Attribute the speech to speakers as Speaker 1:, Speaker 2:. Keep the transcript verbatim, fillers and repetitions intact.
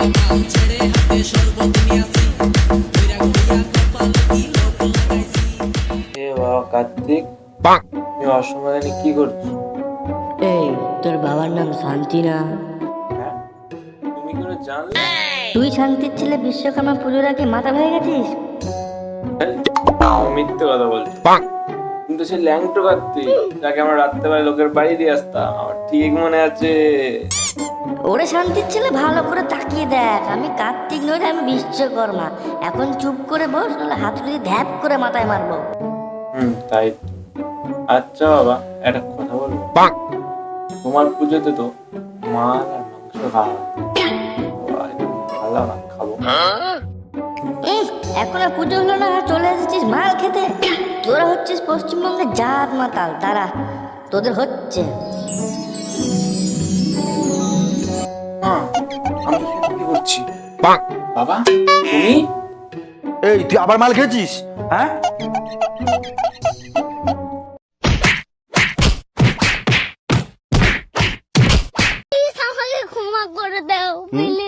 Speaker 1: কার্তিক, তুমি অসময়ে কি করছো?
Speaker 2: এই তোর বাবার নাম শান্তি না?
Speaker 1: হ্যাঁ, তুমি কি করে জানলে?
Speaker 2: তুই শান্তির ছেলে বিশ্বকর্মা পুজোর আগে মাথা হয়ে গেছিস?
Speaker 1: মিথ্যে কথা বলছো। কিন্তু সে ল্যাংটো কার্তিক, যাকে আমরা রাত্রেবেলা লোকের বাড়ি দিয়ে আসতাম, আমার ঠিক মনে আছে।
Speaker 2: ওরে শান্তির ছেলে, ভালো করে তাকিয়ে দেখ, আমি কার্তিক নই রে, আমি বিশ্বকর্মা। এখন চুপ করে বস, নাহলে হাতুড়ি দিয়ে ধ্যাপ করে মাথায় মারবো।
Speaker 1: হুম, তাই তো। আচ্ছা বাবা, একটা কথা বলবো? তোমার পুজোতে তো মাছ আর মাংস খাওয়া হয়। ভালো না, খাবো।
Speaker 2: উম, এখন আর পুজো হলো না, চলে এসেছিস মাল খেতে। তোরা হচ্ছিস পশ্চিমবঙ্গের জাত মাতাল, তারা তোদের হচ্ছে।
Speaker 1: মা, আমি এখানে কি করছি? বাবা, তুমি?
Speaker 3: এই তুই আবার মাল খেয়েছিস? হ্যাঁ,
Speaker 4: আমাকে ক্ষমা করে দাও প্লিজ।